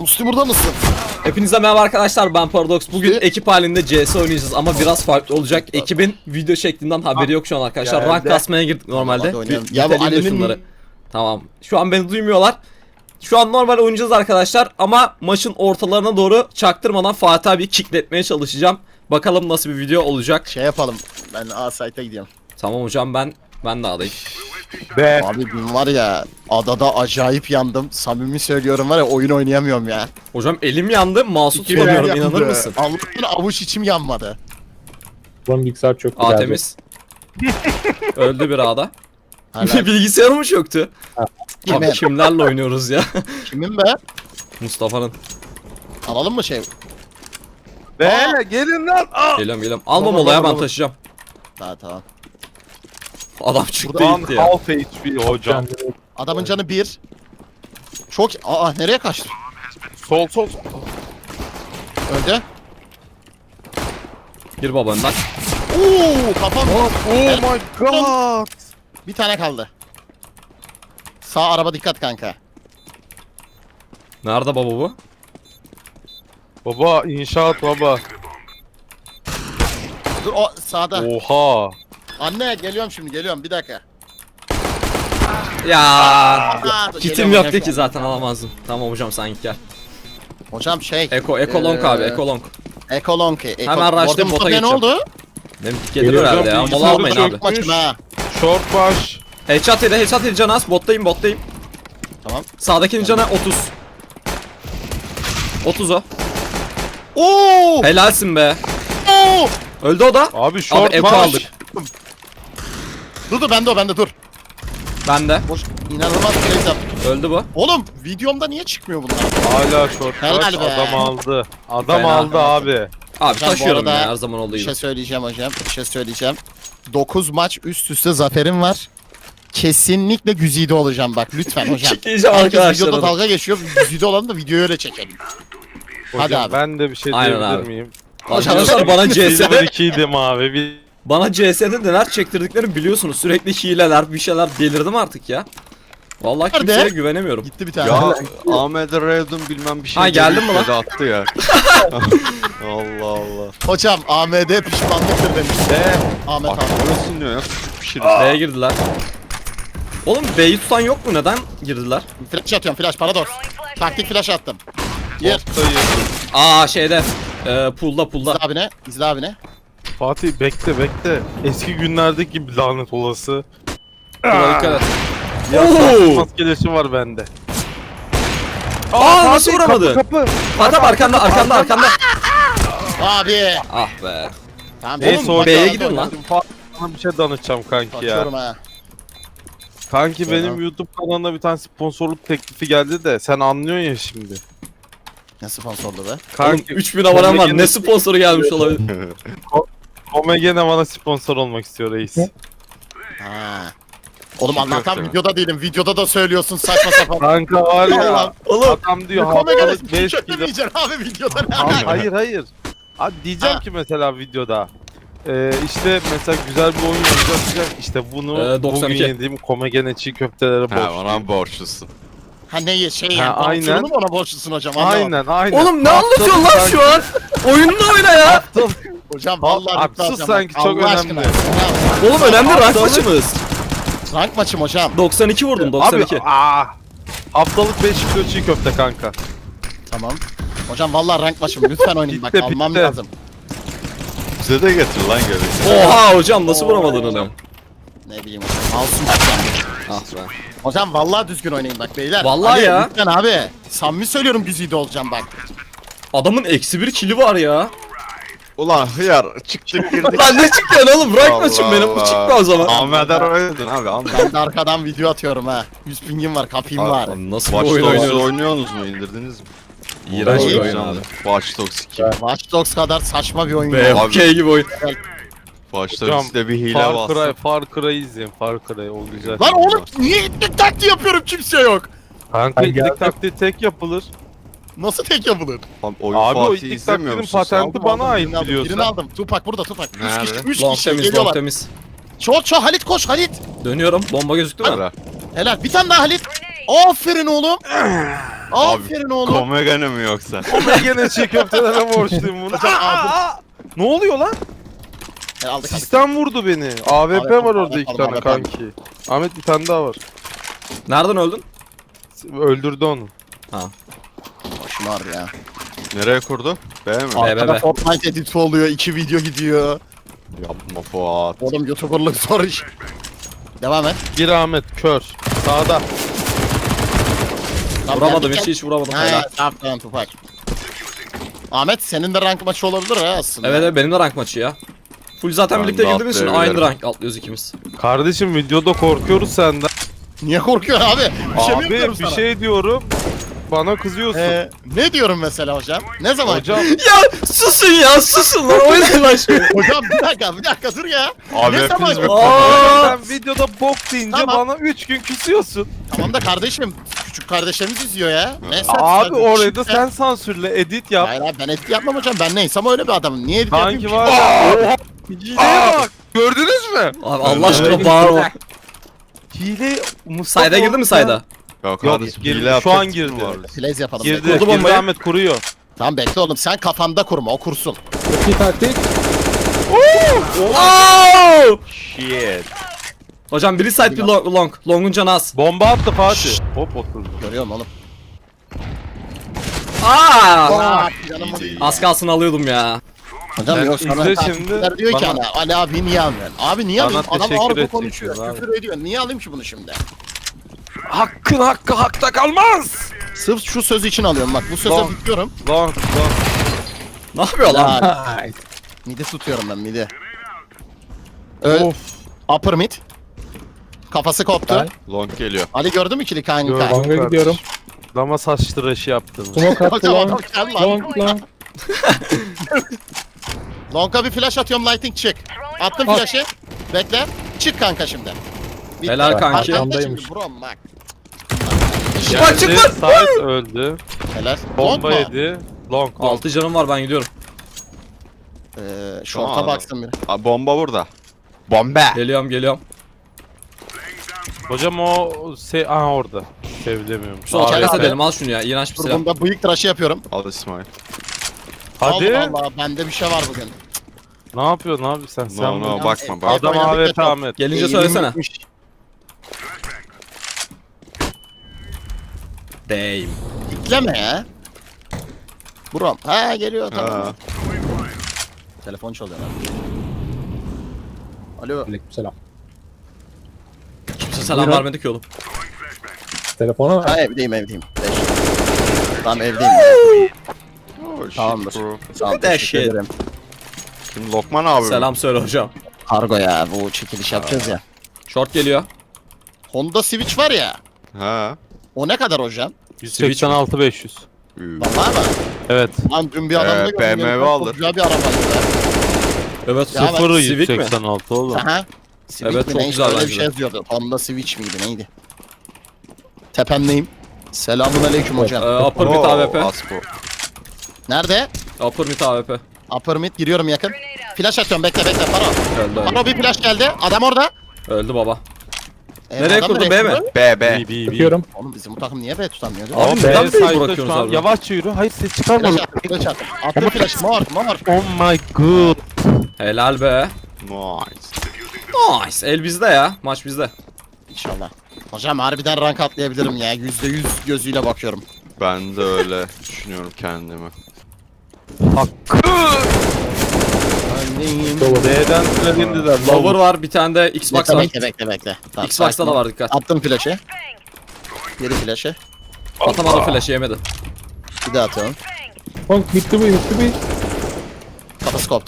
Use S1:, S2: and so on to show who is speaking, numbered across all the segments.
S1: Musti burada mısın?
S2: Hepinize merhaba arkadaşlar, ben Paradox. Bugün
S1: İşte-
S2: ekip halinde CS oynayacağız ama biraz farklı olacak. Ekibin video şeklinden haberi yok şu an arkadaşlar.
S3: Geldi.
S2: Rank kasmaya girdik normalde.
S1: Hadi oynayalım.
S2: Ya bu
S1: Niteleyeyim de
S2: şunları. Tamam. Şu an beni duymuyorlar. Şu an normal oynayacağız arkadaşlar ama maçın ortalarına doğru çaktırmadan Fatih abi kickletmeye çalışacağım. Bakalım nasıl bir video olacak.
S1: Şey yapalım. Ben A-Site'a gidiyorum.
S2: Tamam hocam, ben de alayım.
S3: Be.
S1: Abi dün var ya adada acayip yandım. Samimi söylüyorum var ya oyun oynayamıyorum ya.
S2: Hocam elim yandı, mouse
S1: İki
S2: tutamıyorum,
S1: yandı.
S2: inanır mısın?
S1: Allah'tan avuç içim yanmadı.
S3: Lan bilgisayar çok
S2: A
S3: güzel.
S2: temiz. Öldü bir A'da.
S1: Hala
S2: Bilgisayarı mı çöktü? Abi
S1: Kimin?
S2: kimlerle oynuyoruz ya?
S1: Kimin be?
S2: Mustafa'nın.
S1: Alalım mı şey?
S3: Be
S1: Aa!
S3: gelin lan. Aa!
S2: Geliyorum. Almam
S3: Baba,
S2: olaya,
S3: baba,
S2: ben
S3: baba.
S2: taşıyacağım.
S1: Tamam.
S2: Adam çıktı
S3: Buradan
S2: gitti ya.
S3: half HP hocam.
S1: Adamın canı 1. Çok... Aa nereye kaçtı?
S3: Sol.
S1: Öldü.
S2: Gir baba önden.
S1: Oo kafam.
S3: Oh my god.
S1: Bir tane kaldı. Sağ araba dikkat kanka.
S2: Nerede baba bu?
S3: Baba inşaat baba.
S1: Dur o sağda.
S3: Oha.
S1: Anne geliyorum şimdi geliyorum bir dakika.
S2: Ya
S1: Aa,
S2: kitim
S1: geliyorum
S2: yoktu
S1: hocam.
S2: ki zaten, alamazdım. Tamam hocam, sen git gel.
S1: Hocam şey.
S2: Eko long abi, eko long.
S1: Ekolonki.
S2: Hemen rush'layıp bota
S1: ne
S2: geçeceğim.
S1: oldu?
S2: Benim dik gelir
S3: Geliyor
S2: herhalde
S3: hocam,
S2: ya. Mola
S3: bilgisayarı
S2: almayın
S3: çök.
S2: abi.
S1: Maçım ha.
S3: Short baş.
S2: Headshot yedi Canas. Bottayım.
S1: Tamam.
S2: Sağdakinin canı 30. 30 o.
S1: Oo!
S2: Helalsin be.
S1: Oo!
S2: Öldü o da.
S3: Abi short
S2: Eko
S3: baş.
S2: aldık.
S1: Dur bende dur.
S2: Bende.
S1: Boş inanılmaz crazy yaptım.
S2: Öldü bu.
S1: Oğlum videomda niye çıkmıyor bunlar?
S3: Hala short
S1: Helal
S3: baş.
S1: be.
S3: Adam aldı. Adam
S2: Fena.
S3: aldı abi.
S2: Abi
S1: Hocam, bu
S2: taşıyorum
S1: arada
S2: ya, her zaman olduğu
S1: Bir
S2: gibi.
S1: şey söyleyeceğim hocam. 9 maç üst üste zaferim var. Kesinlikle güzide olacağım bak lütfen hocam.
S2: Çekeceğim
S1: Herkes
S2: arkadaşlar.
S1: videoda dalga geçiyor. Güzide olalım da videoyu öyle çekelim. Hadi
S3: Hocam
S1: abi.
S3: ben de bir şey
S2: Aynen
S3: diyebilir
S2: abi.
S3: miyim?
S2: Arkadaşlar bana
S3: Silver
S2: CS'de
S3: 2'ydim abi.
S2: Bana CS'de neler çektirdiklerini biliyorsunuz. Sürekli hileler, bir şeyler, delirdim artık ya. Vallahi
S1: Nerede?
S2: kimseye güvenemiyorum.
S1: Gitti bir tane.
S4: Ya Ahmet Revdun bilmem bir şey.
S2: Ha, geldin mi
S4: demiş,
S2: lan?
S4: dedi, attı ya. Allah Allah.
S1: Hocam AMD pişmanlıktır demiş. Ahmet
S4: Bak
S1: abi.
S4: burası ne ya? Pişirir.
S2: B'ye girdiler. Oğlum B'yi tutan yok mu? Neden girdiler?
S1: Flash atıyorum flash paradox. Taktik flash attım. Gir.
S3: Ortayı.
S2: Aa şeyde. Pool'da.
S1: İzle abine. İzle abine.
S3: Fatih bekle. Eski günlerdeki gibi lanet olası.
S2: Pool'a dikkat et.
S3: Ya maskelesi var bende.
S2: Aa, nasıl
S3: Fatih,
S2: vuramadın?
S3: Kapı.
S2: Adam arkanda.
S1: Abi.
S2: Ah be.
S1: Tamam.
S3: Neyse
S1: oğlum,
S3: o
S2: B'ye
S1: bak,
S2: gidin
S1: bak,
S2: lan.
S3: Fatih sana bir şey danışacağım kanki ya.
S1: Kaçıyorum ha.
S3: Kanki
S1: Tamam.
S3: benim YouTube kanalına bir tane sponsorluk teklifi geldi de sen anlıyorsun ya şimdi.
S1: Ne sponsorlu be?
S2: Oğlum
S3: Kanki
S2: 3000 abonem var. Ne sponsoru gelmiş olabilir?
S3: Omegene bana sponsor olmak istiyor reis.
S1: Ha. Oğlum
S4: Çiğ
S1: Allah'tan
S4: köfte mi?
S1: videoda değilim. Videoda da söylüyorsun saçma sapan.
S3: Kanka var ya.
S1: Allah'ım.
S2: Oğlum
S3: Adam diyor
S1: Komegene
S3: haftalık 5 kilo.
S1: kötlemeyeceksin abi videoda ne
S3: Abi,
S1: alaka?
S3: hayır. Abi diyeceğim
S1: Ha.
S3: ki mesela videoda. İşte mesela güzel bir oyun oynayacağız. İşte bunu
S2: 92.
S3: bugün yediğim komegene çiğ köftelere
S4: Ha
S3: borçluyum.
S4: ona borçlusun.
S1: Ha ne şey
S3: Ha,
S1: yani
S3: aynen.
S1: sponsorunu mu ona borçlusun hocam? Anlamadım.
S3: Aynen.
S2: Oğlum ne anlatıyorsun lan şu an? Oyununu oyna ya.
S1: Hocam vallahi
S3: Abi,
S1: rütbe
S3: sus
S1: alacağım
S3: sanki,
S1: bak,
S3: çok
S1: Allah
S3: önemli.
S1: aşkına.
S2: Oğlum önemli rank maçımız.
S1: Rank maçım hocam.
S2: 92 vurdum, 92.
S3: Abi haftalık 5 kilo çiğ köfte kanka.
S1: Tamam. Hocam vallahi rank maçım lütfen oynayın bak
S3: Bitti,
S1: almam
S3: bitti.
S1: lazım.
S4: Bize de getir lan göre.
S2: Oha hocam, nasıl vuramadın onu?
S1: Ne bileyim hocam. Alsın hocam.
S2: Ah be.
S1: Hocam vallahi düzgün oynayın bak beyler.
S2: Vallahi
S1: Ali,
S2: ya.
S1: Lütfen abi. Samimi söylüyorum güzide olacağım bak.
S2: Adamın -1 kili var ya.
S4: Ulan hıyar çıktık girdik.
S2: Lan ne çıkıyor oğlum? Rank
S4: Allah
S2: maçım benim, bu
S4: Allah.
S2: çıkma o zaman.
S4: Ahmet Revdun abi anla.
S1: Ben de arkadan video atıyorum ha. 100 pingim var kapayım var.
S2: Abi nasıl bir
S4: Watch
S2: oyun
S4: Dogs'u
S2: oynuyoruz?
S4: oynuyorsunuz mu? İndirdiniz mi?
S2: İğrenç bir
S1: İyi.
S2: oyun abi.
S4: Watch Dogs 2.
S1: Watch Dogs kadar saçma bir oyun yok.
S2: BFK gibi oyun.
S4: Watch
S3: Hocam,
S4: Dogs'te bir hile bastı.
S3: Far Cry izleyin. Far Cry o güzel.
S1: Lan oğlum niye itlik taktiği yapıyorum kimse yok.
S3: Kanka itlik taktiği tek yapılır.
S1: Nasıl tek yapılır?
S4: Oyun
S3: Abi o
S4: Fatih'i
S3: itlik
S4: izlemiyor
S3: taktiğinin
S4: musun sen?
S3: patenti bana ait
S1: Birini aldım,
S3: biliyorsun.
S1: birini aldım. Tupak burada Tupak. 3
S4: Nerede?
S1: kişi, 3
S2: Long
S1: kişi
S2: temiz, long
S1: geliyorlar.
S2: temiz.
S1: Çok Halit koş Halit.
S2: Dönüyorum. Bomba gözüktü mü?
S4: Ara.
S1: Helal bir tane daha Halit. Aferin oğlum. Aferin oğlum.
S4: Komegane mi yoksa?
S3: Ben gene çiğ köftelere borçluyum bunu. Ne oluyor lan?
S1: Aldık.
S3: Sistem vurdu beni. AWP var orada 2 tane
S1: AWP.
S3: kanki. Ahmet bir tane daha var.
S2: Nereden öldün?
S3: Öldürdü onu.
S1: Başım ağrıyor ya.
S4: Nereye kurdu? B mi?
S2: Be.
S1: Arkada Fortnite editi oluyor. 2 video gidiyor.
S4: Yapma Fuat.
S1: Oğlum YouTuber'lık zor iş. Devam et.
S3: Bir Ahmet kör. Sağda.
S1: Tamam,
S2: Vuramadım
S1: geldik,
S2: hiç vuramadım.
S1: Ha,
S2: Helal.
S1: tamam Tupac. Ahmet senin de rank maçı olabilir ha aslında.
S2: Evet benim de rank maçı ya. Full zaten
S4: Ben
S2: birlikte
S4: de
S2: girdiğimiz için aynı
S4: atlayabilirim.
S2: rank atlıyoruz ikimiz.
S3: Kardeşim videoda korkuyoruz senden.
S1: Niye korkuyorsun abi? Bir şey mi
S3: Abi
S1: yapıyorum
S3: bir
S1: sana?
S3: şey diyorum. Bana kızıyorsun.
S1: Ne diyorum mesela hocam? Ne zaman?
S3: Hocam
S2: Ya susun ya susun lan oynayın lan şimdi.
S1: Hocam bir dakika dur ya.
S4: Abi
S1: Ne zaman?
S4: hepiniz mi?
S2: Aa!
S3: sen videoda bok deyince
S1: Tamam.
S3: bana 3 gün küsüyorsun.
S1: Tamam da kardeşim küçük kardeşlerimiz izliyor ya. Neyse,
S3: Abi
S1: sen-
S3: orayı da
S1: Şimdi-
S3: sen sansürle edit yap.
S1: Hayır abi ben etki yapmam hocam. Ben neysem öyle bir adamım. Niye edit yapayım
S3: Sanki
S1: ki?
S3: var ya. Hileye bak.
S4: Gördünüz mü?
S2: Abi Allah aşkına bağırma.
S3: Hile Mustafa.
S2: Sayda girdi mi sayda?
S4: Ya kardeşim
S3: girdi,
S4: hile
S3: şu an
S4: yapacaksın
S3: girdi.
S4: var.
S1: Plays yapalım.
S3: Girdi.
S1: Bekle.
S2: Kurdu bombayı.
S3: Ahmet kuruyor.
S1: Tamam bekle oğlum. Sen kafanda kurma. O kursun.
S5: İki taktik.
S2: Oo!
S4: Shit.
S2: Hocam biri side bir long. Long'un canı az.
S3: Bomba attı Fatih. Hop oturdu.
S1: Görüyorum oğlum.
S2: Aa!
S1: Canım
S4: İyi.
S2: Az kalsın alıyordum ya.
S1: Hocam
S3: Sen
S1: yok sana
S3: izle
S1: takipçiler
S3: şimdi,
S1: diyor ki
S3: bana-
S1: ana Ali abi niye almıyorsun? Abi niye
S3: Bana
S1: alayım? Adam
S3: teşekkür
S1: ağır
S3: edeceksin
S1: konuşuyor.
S3: abi.
S1: Küfür ediyor. Niye alayım ki bunu şimdi?
S3: Hakkın hakkı hakta kalmaz.
S1: Sırf şu söz için alıyorum bak. Bu söze
S3: Long.
S1: bitiyorum.
S3: Long.
S2: Ne yapıyor lan?
S1: Lan. Midi tutuyorum ben midi.
S3: Of.
S1: Upper mid. Kafası koptu.
S5: Ben-
S4: Long geliyor.
S1: Ali gördü mü ikili kanka?
S3: Gördüm.
S5: Longa gidiyorum.
S3: Lama saç tıraşı yaptın.
S5: Smoke attı
S1: Hocam adam
S5: long.
S1: gel lan.
S5: Long long.
S1: Long'a bir flash atıyorum lighting çık. Attım
S5: At.
S1: flash'ı. Bekle. Çık kanka şimdi. Bitti.
S2: Helal kanki.
S1: Arkanda
S5: Arkandaymış.
S1: şimdi bro bak.
S2: Çık çık lan.
S3: Sait öldü.
S1: Helal. Long
S3: Bomba
S1: mu?
S3: yedi. Long.
S2: 6 canım var ben gidiyorum.
S1: Short'a
S4: Tamam.
S1: baksın bir.
S4: Abi bomba burada. Bomba.
S2: Geliyorum.
S3: Hocam o aha orada. Sevdemiyorum.
S2: Sol
S1: Aa,
S2: kere
S1: abi.
S2: edelim al şunu ya. İğrenç bir
S1: Dur
S2: silah.
S1: bunda bıyık tıraşı yapıyorum.
S4: Al İsmail.
S3: Hadi.
S1: Allah Allah bende bir şey var bugün.
S3: Ne yapıyorsun abi sen? Sen
S4: No
S3: bu-
S4: no bakma bak.
S3: Adam
S1: oynadık ya
S3: AWP
S1: çok.
S3: Ahmet.
S2: Gelince
S1: Eğilim
S2: söylesene.
S1: gitmiş.
S2: Damn.
S1: Dikleme ya. Buram. Ha geliyor tamam.
S4: Ha.
S1: Telefon çalıyor lan. Alo.
S5: Aleykümselam.
S2: Kimse selam vermedi ki oğlum.
S5: Telefona ver.
S1: Ha evdeyim. Tamam evdeyim.
S4: Oh, shit,
S1: Tamamdır.
S4: bro.
S1: Sağ ol,
S2: That
S1: teşekkür
S2: shit.
S1: ederim.
S4: Şimdi Lokman abi.
S2: Selam söyle hocam.
S1: Kargo ya bu çekiliş yapacağız ya.
S2: Short geliyor.
S1: Honda Switch var ya.
S4: Ha.
S1: O ne kadar hocam?
S3: 186 500.
S1: Vallahi mı?
S3: Evet.
S1: Lan dün bir adamla gördüm.
S4: BMW
S1: yanımda,
S4: alır.
S1: çok güzel bir arabaydı ya.
S2: Evet
S1: Ya ben-
S3: Sıfırı
S2: Civic mi?
S3: 186 oğlum.
S1: Aha. Switch
S2: Evet,
S1: mi
S2: çok
S1: ne?
S2: güzel
S1: Öyle bir
S2: bence
S1: şey
S2: de.
S1: yazıyordu. Honda Switch miydi neydi? Tependeyim. Selamun aleyküm hocam.
S2: Upper mid AWP.
S4: Asko.
S1: Nerede?
S2: Upper mid AWP.
S1: Upper mid giriyorum yakın. Flash atıyorum bekle Paro.
S2: Öldü.
S1: Paro bir flash geldi. Adam orada.
S2: Öldü baba. Nereye
S1: adam
S2: kurdun, B mi?
S1: kurdu?
S4: B B.
S3: B.
S5: Bakıyorum.
S1: Oğlum bizim bu takım niye B tutamıyor?
S2: Abi
S3: Ama
S2: neden
S3: B
S2: B'yi
S3: side'da
S2: bırakıyorsunuz
S3: şu an.
S2: abi?
S3: Yavaşça yürü. Hayır ses çıkarma.
S1: Flash attım, flash attım. Attım flash, mor.
S3: Oh my god.
S2: Helal be.
S4: Nice.
S2: Nice. El bizde ya. Maç bizde.
S1: İnşallah. Hocam harbiden rank atlayabilirim ya. %100 gözüyle bakıyorum.
S4: Ben de öyle düşünüyorum kendimi.
S1: Öndeyim.
S3: B'den süre indiler.
S2: Lower var. Bir tane de Xbox var.
S1: Bekle. Tamam,
S2: Xbox'ta
S1: sakin
S2: da
S1: ol.
S2: var dikkat.
S1: Attım flash'ı. Geri flash'ı.
S2: Atamadı flash'ı yemedi.
S1: Bir daha atıyorum.
S5: Long bitti bu.
S1: Kafası koptu.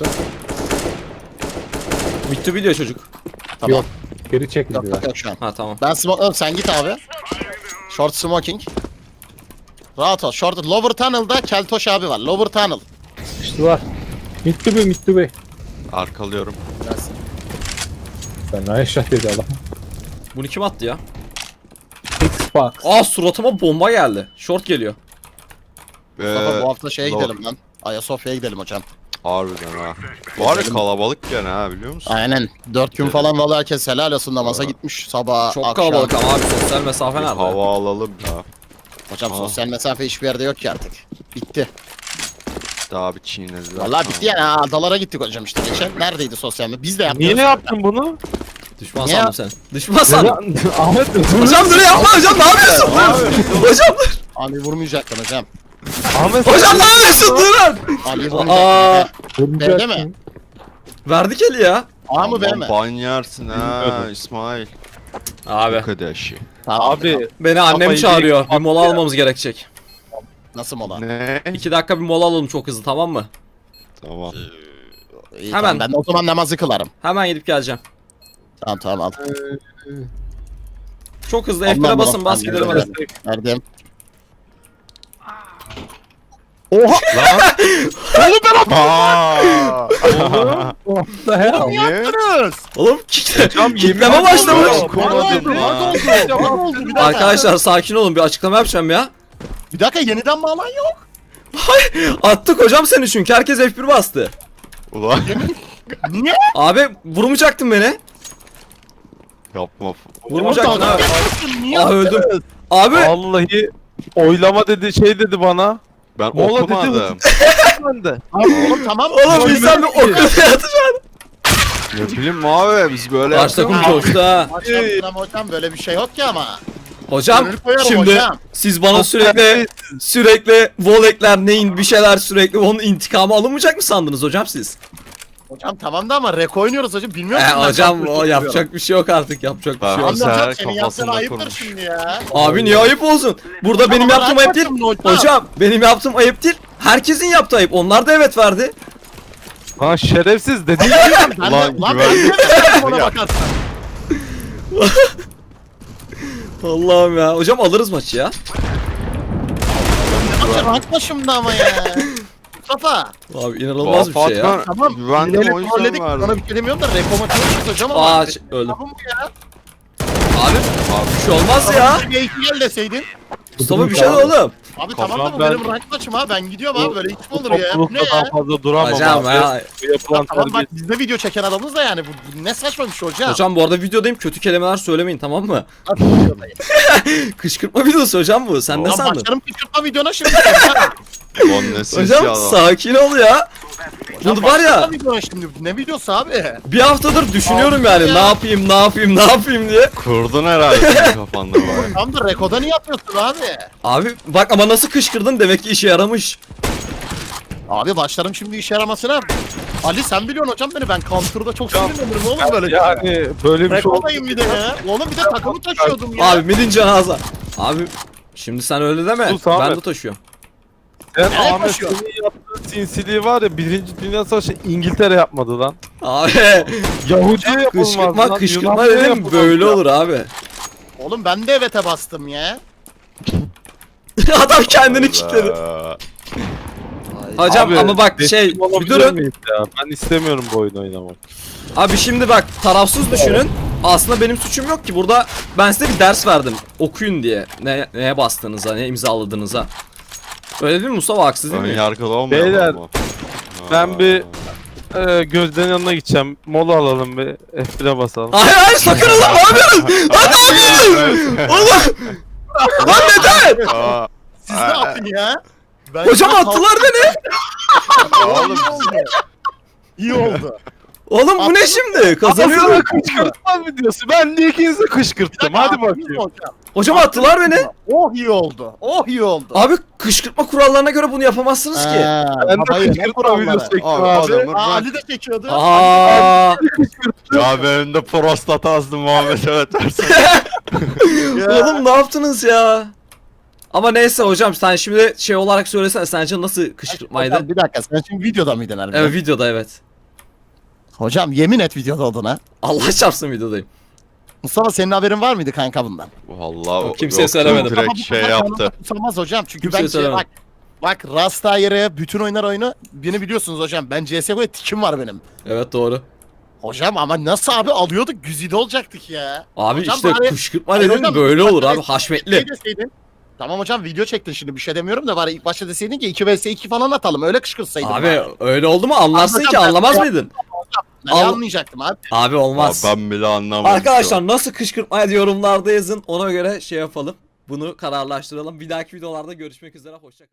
S2: Bitti video çocuk.
S1: Tamam.
S5: Yok. Geri çekildi.
S1: Yok şu an.
S2: Ha tamam.
S1: Ben smoke... Oğlum sen git abi. Short smoking. Rahat ol. Short lower tunnel'da Keltoş abi var. Lower tunnel.
S5: Sıkıştılar. Bitti bu.
S4: Arkalıyorum.
S1: Gelsin.
S5: Ben ne eşya dedi adam.
S2: Bunu kim attı ya?
S5: Xbox.
S2: Aa suratıma bomba geldi. Short geliyor.
S1: Mustafa bu hafta şeye
S4: lower.
S1: gidelim lan. Ayasofya'ya gidelim hocam.
S4: Harbiden ha. Var ya kalabalık gene ha biliyor musun?
S1: Aynen. 4 gün falan vallahi herkes helal olsun namaza gitmiş sabah
S2: Çok
S1: akşam.
S2: kalabalık ama abi sosyal mesafe
S4: Bir
S2: nerede?
S4: hava alalım ya.
S1: Hocam
S4: Aa.
S1: sosyal mesafe hiçbir yerde yok ki artık. Bitti.
S4: Daha bir çiğnediler.
S1: Vallahi bitti yani. Adalara gittik hocam işte geçen. Neredeydi sosyal mesafe? Biz de yaptık.
S3: Niye yaptın bunu?
S2: Düşman
S1: Niye
S2: sandım seni. Düşman sandım.
S5: Ahmet
S2: Hocam dur yapma hocam, ne yapıyorsun? Hocam dur.
S1: Ali vurmayacaktın hocam.
S3: Ahmet
S2: Hocam ne yapıyorsun? Durun.
S1: Ali
S2: Aa,
S1: vurmayacaktın. B'de mi?
S2: verdik eli ya.
S1: A mı B mi?
S4: Ban yersin ha
S3: Bilmiyordum.
S4: İsmail.
S2: Abi
S4: Arkadaşı.
S1: Tamam.
S3: abi
S2: beni annem
S3: Kafayı
S2: çağırıyor.
S3: direkt
S2: Bir mola almamız gerekecek.
S1: Nasıl mola?
S4: Ne?
S2: 2 dakika bir mola alalım çok hızlı, tamam mı?
S4: Tamam.
S1: İyi,
S2: Hemen.
S1: tamam, ben de o zaman namazı kılarım.
S2: Hemen gidip geleceğim.
S1: Tamam al.
S2: Çok hızlı
S1: Allah'ım,
S2: F1'e basın,
S1: Allah'ım,
S2: bas gidelim hadi.
S1: Verdim.
S4: Aa!
S5: What the hell?
S4: Niye?
S2: Oğlum kitleme başlamış.
S1: Ne oldu? Bir dakika.
S2: Arkadaşlar sakin olun, bir açıklama yapacağım ya.
S1: Bir dakika yeniden bağlan yok.
S2: Attık hocam seni çünkü herkes F1 bastı.
S4: Ulan
S1: Niye?
S2: Abi vurmayacaktın beni.
S4: yapma.
S2: Vurmayacaktın abi.
S1: Niye?
S2: Ah öldüm. Abi
S3: vallahi oylama dedi şey dedi bana.
S4: Ben
S3: Mola dedi.
S4: okumadım.
S3: Ben de.
S1: Oğlum tamam.
S2: oğlum insan bir okul yatacaksın.
S4: Ne bileyim abi biz böyle
S2: Karşı takım coştu ha.
S1: Hocam böyle bir şey yok ki ama.
S2: Hocam
S1: Gönül koyarım
S2: şimdi
S1: hocam.
S2: siz bana sürekli volekler neyin bir şeyler sürekli onun intikamı alınmayacak mı sandınız hocam siz?
S1: Hocam tamam da ama rek oynuyoruz hocam. Bilmiyor musun? ben
S2: Hocam
S1: çok
S2: o
S1: üzülüyorum.
S2: yapacak bir şey yok artık, yapacak bir şey
S4: Tamam.
S2: yok.
S1: Anne hocam
S4: Seher
S1: senin yaptığın
S4: kafasında
S1: ayıptır
S4: kurmuş.
S1: şimdi ya.
S2: Abi niye ayıp olsun? Burada benim
S1: Ama
S2: yaptığım ayıp değil.
S1: bırakmadım hocam.
S2: Hocam benim yaptığım ayıp değil. Herkesin yaptığı ayıp. Onlar da evet verdi.
S3: Ha şerefsiz dedi.
S1: Ben
S4: Ulan
S1: de, lan
S4: güven-
S1: ben de ona
S4: Ya.
S1: bakarsan.
S2: Allah'ım ya. Hocam alırız maçı ya.
S1: Maçı rank başımda ama ya. Mustafa.
S2: Abi inanılmaz bir şey ya.
S4: Fatma
S1: Tamam.
S4: güvendim
S1: Yine
S4: o
S1: trolledik.
S4: yüzden verdim.
S1: Sana bir şey demiyorum da reko maçı olmuş hocam ama.
S2: Aa öldüm.
S1: Tamam bu ya.
S2: Abi bir şey olmaz ya.
S1: Bir iki gel deseydin.
S2: Mustafa bir şey de oğlum.
S1: Abi tamam da bu
S3: ben-
S1: benim rank maçım ha. Ben gidiyorum abi böyle hiç mi olur ya? Bu ne
S3: Toplulukta daha
S1: ya?
S3: fazla duramam.
S2: Hocam
S3: abi.
S2: ya.
S3: Bu yapılan
S1: Tamam bak
S3: terbiye.
S1: biz de video çeken adamız da yani. Bu ne saçma bir şey hocam.
S2: Hocam bu arada videodayım, kötü kelimeler söylemeyin, tamam mı?
S1: Hadi videodayım.
S2: Kışkırtma videosu hocam bu. Sen ne
S1: Lan
S2: sandın?
S1: başlarım kışkırtma videona şimdi.
S4: Ulan ne sinsi
S2: Hocam
S4: adam.
S2: sakin ol ya. Bu var ya.
S1: Başlarım videona şimdi. Ne videosu abi?
S2: Bir haftadır düşünüyorum
S1: Abi
S2: yani
S1: ya.
S2: ne yapayım diye.
S4: Kurdun herhalde senin kafanda bari.
S1: Tam da rekoda niye yapıyorsun abi?
S2: Abi bak ama nasıl kışkırdın, demek ki işe yaramış.
S1: Abi başlarım şimdi işe yaramasına. Ali sen biliyorsun hocam beni, ben counter'da çok sinirlenirim oğlum böyle.
S3: Yani böyle bir şey oldu.
S1: Rekodayım bir de ya. Oğlum bir de takımı taşıyordum ya.
S2: Abi midin cenaze. Abi şimdi sen öyle deme.
S3: Sus Ahmet.
S2: Ben de taşıyorum.
S3: Sen
S1: Nereye
S3: Ahmet
S1: koşuyor?
S3: senin yaptığın sinsiliği var ya 1. Dünya Savaşı İngiltere yapmadı lan.
S2: Abi
S3: Yahudi'ye yapılmaz
S2: kışkırtma
S3: lan.
S2: kışkırtma
S3: Yunanlı'ya
S2: dedim
S3: yapılmaz
S2: böyle
S3: ya.
S2: olur abi.
S1: Oğlum ben de evet'e bastım ya.
S2: Adam kendini kilitledi. Hocam
S3: Abi,
S2: ama bak
S3: destek
S2: şey bir
S3: olabilir
S2: durun.
S3: miyiz ya? Ben istemiyorum bu oyunu oynamak.
S2: Abi şimdi bak tarafsız düşünün. Aslında benim suçum yok ki burada, ben size bir ders verdim. Okuyun diye. Neye bastığınıza, ne imzaladığınıza. Öyle değil mi Mustafa, haksız değil
S4: Ön
S2: mi?
S4: yargılı olmuyor
S3: Beyler,
S4: mu?
S3: ben bir Gözde'nin yanına gideceğim. Mola alalım bir F1'e basalım.
S2: Hayır sakın oğlum, ne yapıyorsun? Lan ne yapıyorsun? Oğlum. Lan neden?
S4: Aa,
S1: Siz ne yapın ya? Ben
S2: Hocam
S1: ya
S2: attılar beni.
S1: Oğlum iyi oldu. İyi oldu.
S2: Oğlum bu ne şimdi? Kazanıyorum.
S3: Sana kışkırtma videosu. Ben de ikinizi kışkırttım. Hadi bakayım.
S2: Hocam attılar beni.
S1: Oh iyi oldu. Oh iyi oldu.
S2: Abi kışkırtma kurallarına göre bunu yapamazsınız ki.
S3: Ben de kışkırtma videosu çektim
S4: Abi,
S3: abi.
S4: adamı
S1: Aa,
S4: ben...
S1: Ali de çekiyordu.
S2: Aa.
S4: Ya benim de prostat azdı Muhammed evet dersin.
S2: Oğlum ne yaptınız ya? Ama neyse hocam, sen şimdi şey olarak söylesene, sence nasıl kışkırtmaydı?
S1: Hocam, bir dakika sen şimdi videoda mıydın harbiden?
S2: Evet videoda, evet.
S1: Hocam yemin et videoda oldun ha.
S2: Allah çarpsın videodayım.
S1: Mustafa senin haberin var mıydı kanka bundan?
S4: Vallahi
S2: Kimseye
S4: yoktu,
S2: söylemedim.
S1: Ama
S4: Direkt
S1: bu
S4: şey
S1: kadar
S4: yaptı.
S1: kanalda tutamaz hocam çünkü
S2: Kimseye
S1: ben
S2: söylemedim.
S1: bak Rastayer'e bütün oyunu beni biliyorsunuz hocam. Ben CSGO'ya tikim var benim.
S2: Evet doğru.
S1: Hocam ama nasıl abi alıyorduk güzide olacaktık ya.
S2: Abi
S1: Hocam
S2: işte
S1: bari-
S2: kışkırtma
S1: Hayır
S2: dedin
S1: hocam,
S2: böyle
S1: ilk
S2: olur
S1: başta
S2: abi, haşmetli.
S1: şey deseydin. Tamam hocam video çektin şimdi bir şey demiyorum da bari ilk başta deseydin ki 2 vs 2 falan atalım öyle kışkırtsaydın.
S2: Abi
S1: bari.
S2: öyle oldu mu anlarsın
S1: Hocam,
S2: ki,
S1: ben-
S2: anlamaz mıydın?
S1: Ben
S2: al-
S1: anlayacaktım abi.
S2: Abi
S4: Abi
S2: olmaz.
S4: ben bile anlamadım.
S2: Arkadaşlar nasıl kışkırtma yorumlarda yazın, ona göre şey yapalım. Bunu kararlaştıralım. Bir dahaki videolarda görüşmek üzere. Hoşça kalın.